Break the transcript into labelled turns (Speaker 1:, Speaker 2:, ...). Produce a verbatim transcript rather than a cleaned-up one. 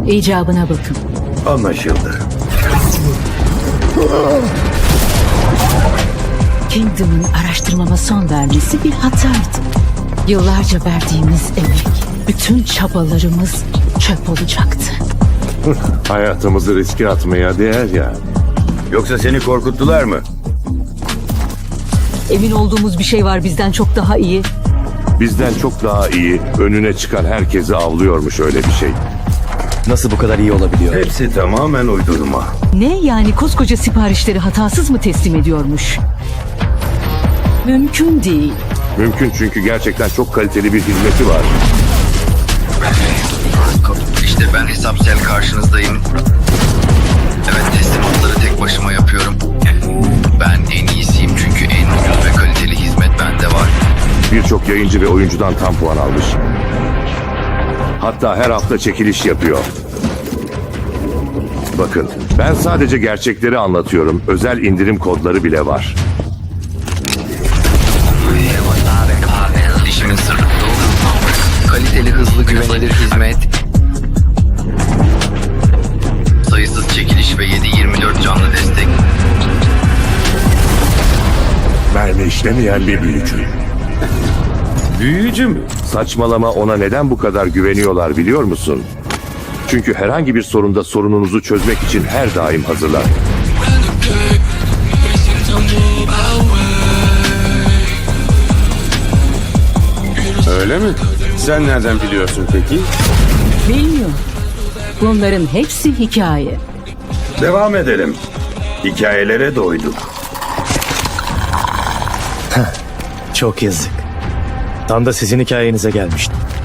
Speaker 1: İcabına bakın.
Speaker 2: Anlaşıldı.
Speaker 1: Kingdom'ın araştırmama son vermesi bir hataydı. Yıllarca verdiğimiz emek, bütün çabalarımız çöp olacaktı.
Speaker 3: Hayatımızı riske atmaya değer ya.
Speaker 2: Yoksa seni korkuttular mı?
Speaker 1: Emin olduğumuz bir şey var bizden çok daha iyi.
Speaker 3: Bizden çok daha iyi, önüne çıkan herkesi avlıyormuş öyle bir şey.
Speaker 4: Nasıl bu kadar iyi olabiliyor?
Speaker 2: Hepsi tamamen uydurma.
Speaker 1: Ne yani koskoca siparişleri hatasız mı teslim ediyormuş? Mümkün değil.
Speaker 3: Mümkün çünkü gerçekten çok kaliteli bir hizmeti var.
Speaker 5: İşte ben hesapsel karşınızdayım. Evet, teslimatları tek başıma yapıyorum. Ben en iyisiyim çünkü en ucuz ve kaliteli hizmet bende var.
Speaker 3: Birçok yayıncı ve oyuncudan tam puan almış. Hatta her hafta çekiliş yapıyor. Bakın, ben sadece gerçekleri anlatıyorum. Özel indirim kodları bile var.
Speaker 5: İşimin sırrı bu. Kaliteli, hızlı, güvenilir hizmet. Sayısız çekiliş ve yedi yirmi dört canlı destek.
Speaker 3: Mermi işlemeyen bir büyücü.
Speaker 2: Büyücü mü?
Speaker 3: Saçmalama, ona neden bu kadar güveniyorlar biliyor musun? Çünkü herhangi bir sorunda sorununuzu çözmek için her daim hazırlar.
Speaker 2: Öyle mi? Sen nereden biliyorsun peki?
Speaker 1: Bilmiyorum. Bunların hepsi hikaye.
Speaker 2: Devam edelim. Hikayelere doyduk.
Speaker 4: Çok yazık. Tam da sizin hikayenize gelmiştim.